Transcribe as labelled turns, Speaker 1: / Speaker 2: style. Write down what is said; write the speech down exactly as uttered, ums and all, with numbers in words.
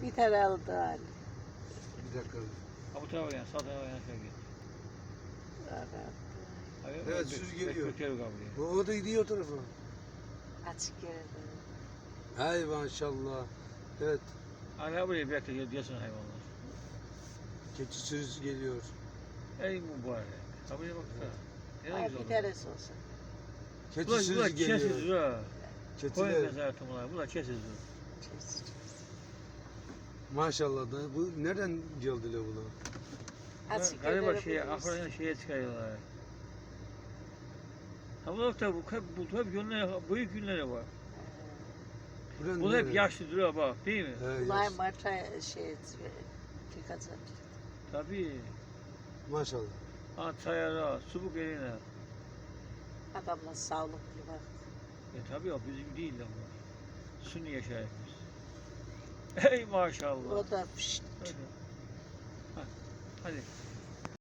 Speaker 1: Biter aldı hali.
Speaker 2: Bir dakika.
Speaker 3: Ha bu tarafa yan, sağ tarafa yan şöyle git. Hayır,
Speaker 2: Evet,
Speaker 3: bek-
Speaker 2: süz
Speaker 3: bek-
Speaker 2: geliyor.
Speaker 3: Bekliyor kabul
Speaker 2: O, o da gidiyor o tarafa.
Speaker 1: Açık yerde.
Speaker 2: Hay maşallah. Evet.
Speaker 3: Hala buraya bekliyor diyorsun hayvanlar.
Speaker 2: Keçi sürüsü geliyor.
Speaker 3: Ey mübarek. Ha buraya baksana. Ne
Speaker 1: Ha,
Speaker 3: güzel
Speaker 1: bir
Speaker 3: oldu.
Speaker 1: tanesi olsun.
Speaker 2: Keçi
Speaker 3: Bunlar,
Speaker 2: sürüsü
Speaker 3: bunlar
Speaker 2: geliyor.
Speaker 3: kesiz ha. Koy
Speaker 2: Keçiler.
Speaker 3: mezarı bunlar. Bunlar kesiz.
Speaker 1: Çiz, çiz.
Speaker 2: Maşallah da bu nereden geldiler bunlar?
Speaker 1: Açık
Speaker 3: Galiba
Speaker 1: yerlere
Speaker 3: şeye,
Speaker 1: buluyoruz.
Speaker 3: ahırdan şeye çıkarıyorlar. Ha bunlar da bu hep, bu hep günler, büyük günleri var.
Speaker 2: Buranın
Speaker 3: Bu hep
Speaker 2: nereden?
Speaker 3: yaşlı duruyor bak değil mi?
Speaker 2: He,
Speaker 1: Bunlar
Speaker 2: yaş.
Speaker 1: Mart'a şey tıkacak.
Speaker 3: Tabii.
Speaker 2: Maşallah.
Speaker 3: Ha çayara, subuk eline.
Speaker 1: Adamlar sağlıklı bak.
Speaker 3: E tabii o bizim değil de bunlar. Sünni yaşayıp biz. Ey maşallah.
Speaker 1: O da pişt.
Speaker 3: Hadi. Ha, hadi.